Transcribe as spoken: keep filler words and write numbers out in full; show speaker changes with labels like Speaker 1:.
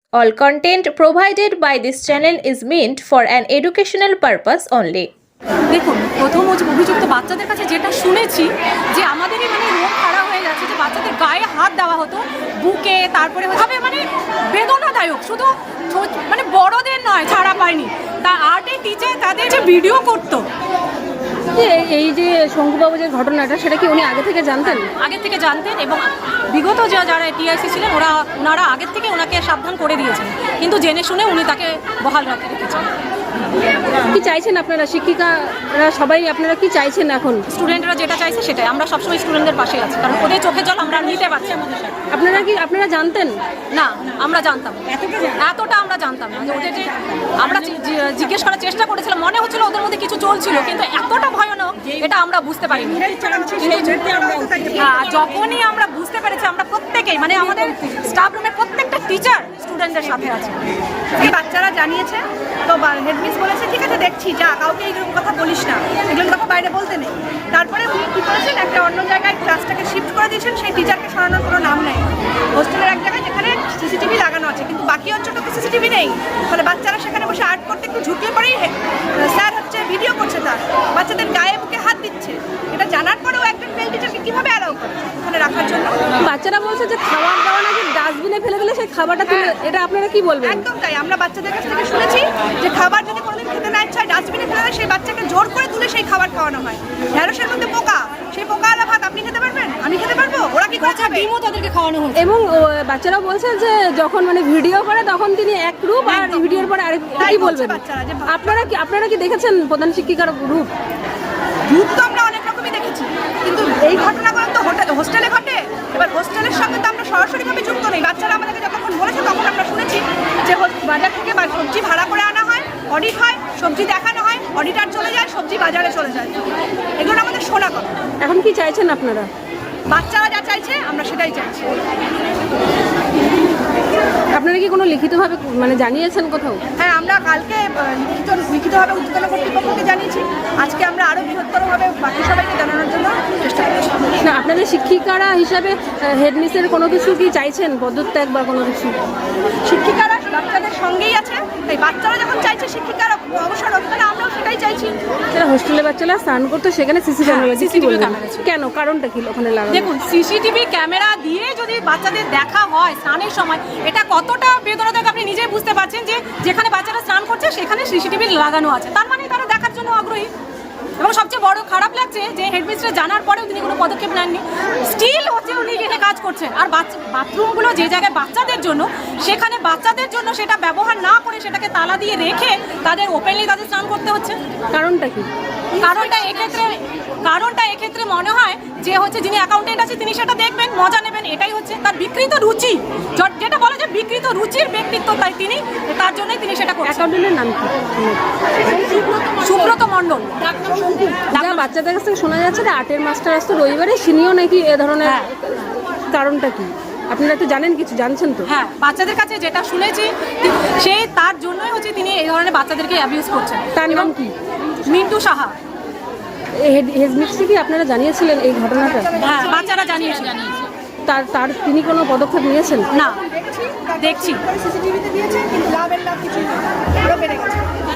Speaker 1: All content provided by this channel is meant for an educational purpose only.
Speaker 2: দেখুন, প্রথম অভিযুক্ত বাচ্চাদের কাছে যেটা শুনেছি যে আমাদেরই মানে রোগ খারাপ হয়ে যাচ্ছে, যে বাচ্চাদের গায়ে হাত দেওয়া হতো, বুকে, তারপরে হবে মানে বেদনাদায়ক, শুধু মানে বড়দের নয়, ছাড়া পায়নি। তা আর্টের টিচার তাদের যে ভিডিও করতো,
Speaker 3: এই যে শঙ্কুবাবু যে ঘটনাটা, সেটা কি উনি আগে থেকে জানতেন?
Speaker 2: আগে থেকে জানতেন, এবং বিগত যা যারা টিআইসি ছিলেন ওরা ওনারা আগের থেকে ওনাকে সাবধান করে দিয়েছেন, কিন্তু জেনে শুনে উনি তাকে বহাল রাখতে রেখেছেন।
Speaker 3: কি চাইছেন আপনারা, শিক্ষিকারা সবাই আপনারা কি চাইছেন এখন?
Speaker 2: স্টুডেন্টরা যেটা চাইছে সেটাই, আমরা সবসময় স্টুডেন্টদের পাশে আছি, কারণ ওদের চোখে জল আমরা নিতে পারছি।
Speaker 3: আপনারা কি আপনারা জানতেন?
Speaker 2: না, আমরা জানতাম এতটা আমরা জানতাম না। যে ওদের যে আমরা জিজ্ঞেস করার চেষ্টা করেছিলাম, মনে হচ্ছিল ওদের মধ্যে কিছু চলছিল, কিন্তু এতটা ভয়ানক এটা আমরা বুঝতে পারিনি। যখনই আমরা বুঝতে পেরেছি, আমরা প্রত্যেকেই মানে আমাদের স্টাফ রুমের প্রত্যেকটা টিচার স্টুডেন্টদের সাথে আছে।
Speaker 4: এই বাচ্চারা জানিয়েছে, তো হেডমিস বলেছে ঠিক আছে দেখছি, যা কাউকে এইরকম কথা বলিস না, এগুলো কথা বাইরে বলতে নেই। তারপরে উনি কী করেছেন, একটা অন্য জায়গায় ক্লাসটাকে শিফট করে দিয়েছেন, সেই টিচারকে সরানোর কোনো নাম নেই। হোস্টেলের এক জায়গায় যেখানে সিসিটিভি লাগানো আছে, কিন্তু বাকি অঞ্চলে তো সিসিটিভি নেই। ফলে বাচ্চারা সেখানে বসে আর্ট করতে একটু ঝুঁকিয়ে পরেই স্যার হচ্ছে ভিডিও করছে, তার বাচ্চাদের গায়ে বুকে হাত দিচ্ছে। এটা জানার পরেও একজন মেল টিচারকে কীভাবে অ্যালাউ করে ওখানে রাখার জন্য?
Speaker 3: বাচ্চারা বলছে যে খাবার দাওয়া নাকি ডাস্টবিনে ফেলে দিলে সেই খাবারটা তুলে, এটা আপনারা কি বলবেন?
Speaker 4: একদম তাই, আমরা বাচ্চাদের কাছ থেকে শুনেছি যে খাবার যদি কোনোদিন খেতে না ইচ্ছা হয় ডাস্টবিনে ফেলে দেয়, সেই বাচ্চাকে জোর করে তুলে সেই খাবার খাওয়ানো হয়। ঢেঁড়সের মধ্যে পোকা, সেই পোকা আলা ভাত আপনি খেতে পারবেন, আমি খেতে পারবো, ওরা কি করে খাবে?
Speaker 2: ডিমও তাদেরকে খাওয়ানো হচ্ছে।
Speaker 3: এবং বাচ্চারাও বলছে যে যখন মানে ভিডিও করে তখন তিনি এক রূপ, আর ভিডিওর পরে আরেক। কি বলবেন আপনারা? কি আপনারা কি দেখেছেন প্রধান শিক্ষিকার রূপ?
Speaker 4: রূপ তো আমরা অনেক রকমই দেখেছি, কিন্তু এই ঘটনাগুলো তো হোস্টেলে ঘটে। এবার হোস্টেলের সঙ্গে তো আমরা সরাসরিভাবে যুক্ত নেই। বাচ্চারা আমাদেরকে যতক্ষণ বলেছে তখন আমরা শুনেছি যে বাজার থেকে সবজি ভাড়া করে আনা হয়, অডিট হয়, সবজি দেখানো হয়, অডিটার চলে যায়, সবজি বাজারে চলে যায়, এগুলো আমাদের শোনা কথা।
Speaker 3: এখন কি চাইছেন আপনারা?
Speaker 4: বাচ্চারা যা চাইছে আমরা সেটাই চাইছি।
Speaker 3: আপনারা কি কোনো লিখিতভাবে মানে জানিয়েছেন কোথাও?
Speaker 4: হ্যাঁ, আমরা কালকে লিখিত লিখিতভাবে উচ্চতন কর্তৃপক্ষকে জানিয়েছি, আজকে আমরা আরও বৃহত্তরভাবে বাকি সবাইকে জানানোর জন্য চেষ্টা করছি।
Speaker 3: না, আপনাদের শিক্ষিকারা হিসাবে হেডমিসের কোনো কিছু কি চাইছেন, পদত্যাগ বা কোনো কিছু?
Speaker 4: শিক্ষিকারা বাচ্চাদের সঙ্গেই আছে, তাই বাচ্চারা যখন চাইছে শিক্ষিকারা অবসর হোক, তাহলে আমরাও সেটাই চাইছি।
Speaker 3: যারা হোস্টেলে বাচ্চারা স্নান করতো সেখানে সিসি ক্যামেরা,
Speaker 2: সিসিটিভি ক্যামেরা
Speaker 3: কেন, কারণটা কি ওখানে লাগানো?
Speaker 2: দেখুন, সিসিটিভি ক্যামেরা দিয়ে যদি বাচ্চাদের দেখা হয় স্নানের সময়, এটা কতটা বেদনাদায়ক আপনি নিজেই বুঝতে পারছেন। যে যেখানে বাচ্চারা স্নান করছে সেখানে সিসিটিভি লাগানো আছে, তার মানে তারা দেখার জন্য আগ্রহী। এবং সবচেয়ে বড় খারাপ লাগছে যে হেডমিস্ট্রেস জানার পরেও তিনি কোনো পদক্ষেপ নেননি, স্টিল হচ্ছে উনি এখানে কাজ করছেন। আর বাথরুমগুলো যে জায়গায় বাচ্চাদের জন্য, সেখানে বাচ্চাদের জন্য সেটা ব্যবহার না করে সেটাকে তালা দিয়ে রেখে তাদের ওপেনলি তাদের স্নান করতে হচ্ছে।
Speaker 3: কারণটা কি?
Speaker 2: কারণটা এক্ষেত্রে কারণটা এক্ষেত্রে মনে হয় যে হচ্ছে যিনি অ্যাকাউন্টেন্ট আছে তিনি সেটা দেখবেন, মজা নেবেন, এটাই হচ্ছে তার বিকৃত রুচি, যেটা বলে যে বিকৃত রুচির ব্যক্তিত্ব, তাই তিনি তার জন্যই তিনি সেটা করছেন।
Speaker 3: অ্যাকাউন্টেন্টের নাম কি?
Speaker 2: সুব্রত মণ্ডল।
Speaker 3: যা বাচ্চাদের কাছ থেকে শোনা যাচ্ছে যে আর্টের মাস্টার আসতো রবিবারে, সিনিও নাকি এ ধরনের। কারণটা কি আপনারা একটু জানেন, কিছু জানছেন তো?
Speaker 2: হ্যাঁ, বাচ্চাদের কাছে যেটা শুনেছি সেই তার জন্যই হচ্ছে তিনি এই ধরনের বাচ্চাদেরকে অ্যাবিউজ করছেন।
Speaker 3: তার নাম কি?
Speaker 2: মিন্টু সাহা।
Speaker 3: হেডমিস্ট্রি কি আপনারা জানিয়েছিলেন এই ঘটনাটা?
Speaker 2: হ্যাঁ, বাচ্চারা জানিয়েছে।
Speaker 3: তার তার তিনি কোনো পদক্ষেপ নিয়েছেন?
Speaker 2: না, দেখছি
Speaker 4: সিসিটিভিতে দিয়েছে, কিন্তু লাভের লাভ কিছু আরও বেড়ে গেছে।